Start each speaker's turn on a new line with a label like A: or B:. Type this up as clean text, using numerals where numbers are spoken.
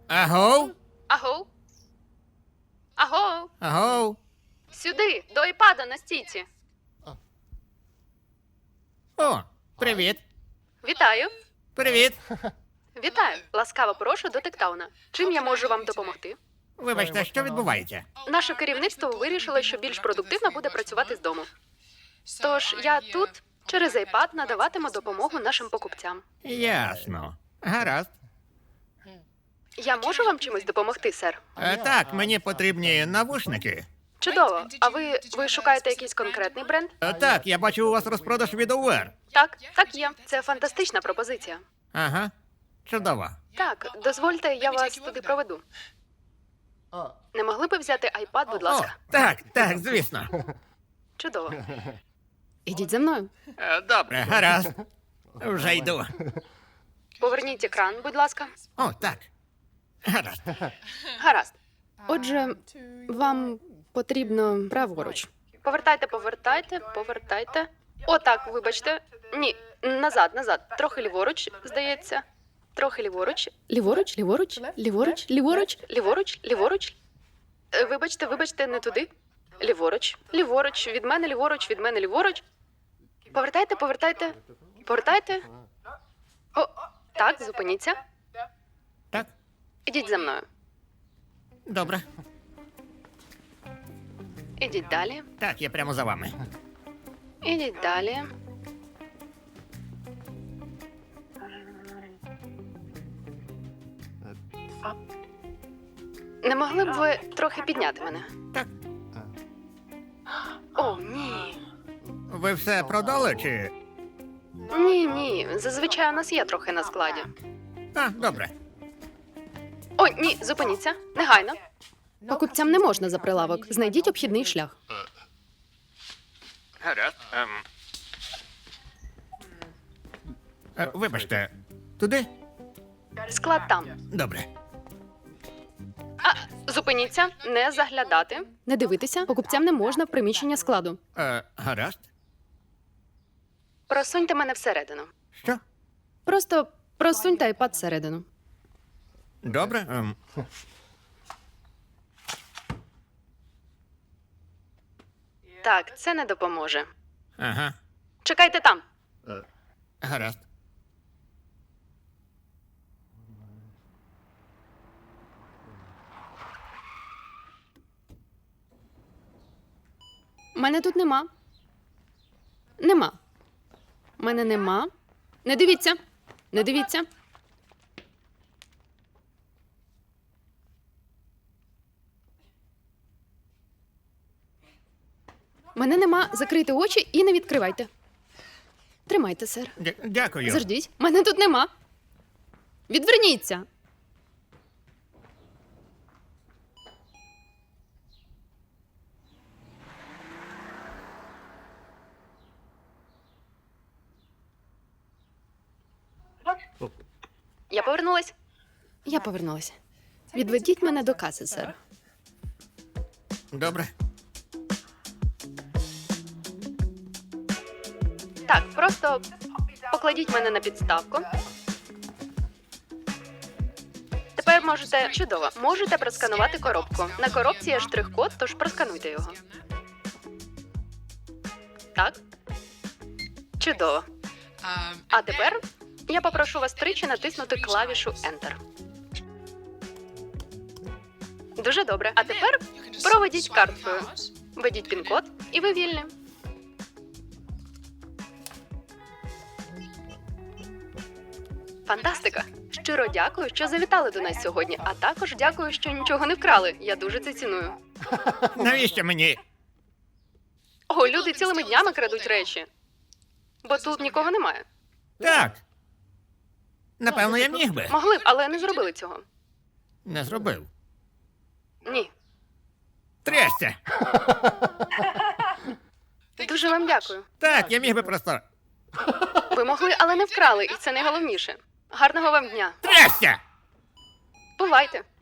A: Агов?
B: Агоу? Агоу?
A: Агов?
B: Сюди, до айпада на стійці.
A: О, привіт.
B: Вітаю.
A: Привіт.
B: Вітаю. Ласкаво прошу до Тектауна. Чим я можу вам допомогти?
A: Вибачте, що відбувається?
B: Наше керівництво вирішило, що більш продуктивно буде працювати з дому. Тож я тут через iPad надаватиму допомогу нашим покупцям.
A: Ясно. Гаразд.
B: Я можу вам чимось допомогти, сер?
A: Так, мені потрібні навушники.
B: Чудово. А ви шукаєте якийсь конкретний бренд?
A: Так, я бачу у вас розпродаж від Aware.
B: Так є. Це фантастична пропозиція.
A: Ага. Чудово.
B: Так, дозвольте, я вас туди проведу. Не могли би взяти iPad, будь
A: О,
B: ласка?
A: так, звісно.
B: Чудово. Ідіть за мною.
A: Добре, гаразд. Вже йду.
B: Поверніть екран, будь ласка.
A: О, так. Гаразд.
B: Гаразд. Отже, вам потрібно праворуч. Повертайте. О, так, вибачте. Ні, назад. Трохи ліворуч, здається. Трохи ліворуч. Ліворуч. Вибачте, не туди. Ліворуч. Від мене ліворуч. Повертайте. О, так, зупиніться.
A: Так,
B: Ідіть за мною.
A: добре.
B: Ідіть далі.
A: Так, я прямо за вами.
B: Ідіть далі. Не могли б ви трохи підняти мене?
A: Так.
B: О, ні.
A: Ви все продали чи?
B: Ні. Зазвичай у нас є трохи на складі.
A: Добре.
B: О, ні, зупиніться. Негайно. Покупцям не можна за прилавок. Знайдіть обхідний шлях.
A: Гаразд. Вибачте, туди?
B: Склад там.
A: Добре.
B: Зупиніться, не заглядати. Не дивитися. Покупцям не можна в приміщення складу.
A: Гаразд.
B: Просуньте мене всередину.
A: Що?
B: Просто просуньте iPad всередину.
A: Добре.
B: Так, це не допоможе.
A: Ага.
B: Чекайте там.
A: Гаразд.
B: Мене тут нема. Мене нема. Не дивіться. Мене нема. Закрийте очі і не відкривайте. Тримайте, сер.
A: Дякую.
B: Заждіть. Мене тут нема. Відверніться. Я повернулась. Відведіть мене до каси, сер.
A: Добре.
B: Так, просто покладіть мене на підставку. Тепер можете... Чудово. Можете просканувати коробку. На коробці є штрих-код, тож проскануйте його. Так. Чудово. А тепер я попрошу вас тричі натиснути клавішу Enter. Дуже добре. А тепер проведіть карткою. Введіть пін-код і ви вільні. Фантастика! Щиро дякую, що завітали до нас сьогодні, а також дякую, що нічого не вкрали. Я дуже це ціную.
A: Навіщо мені?
B: О, люди цілими днями крадуть речі. Бо тут нікого немає.
A: Так. Напевно, я міг би.
B: Могли б, але не зробили цього.
A: Не зробив.
B: Ні.
A: Трясся.
B: Дуже вам дякую.
A: Так, я міг би просто.
B: Ви могли, але не вкрали, і це найголовніше. Гарного вам дня.
A: Трясся!
B: Бувайте.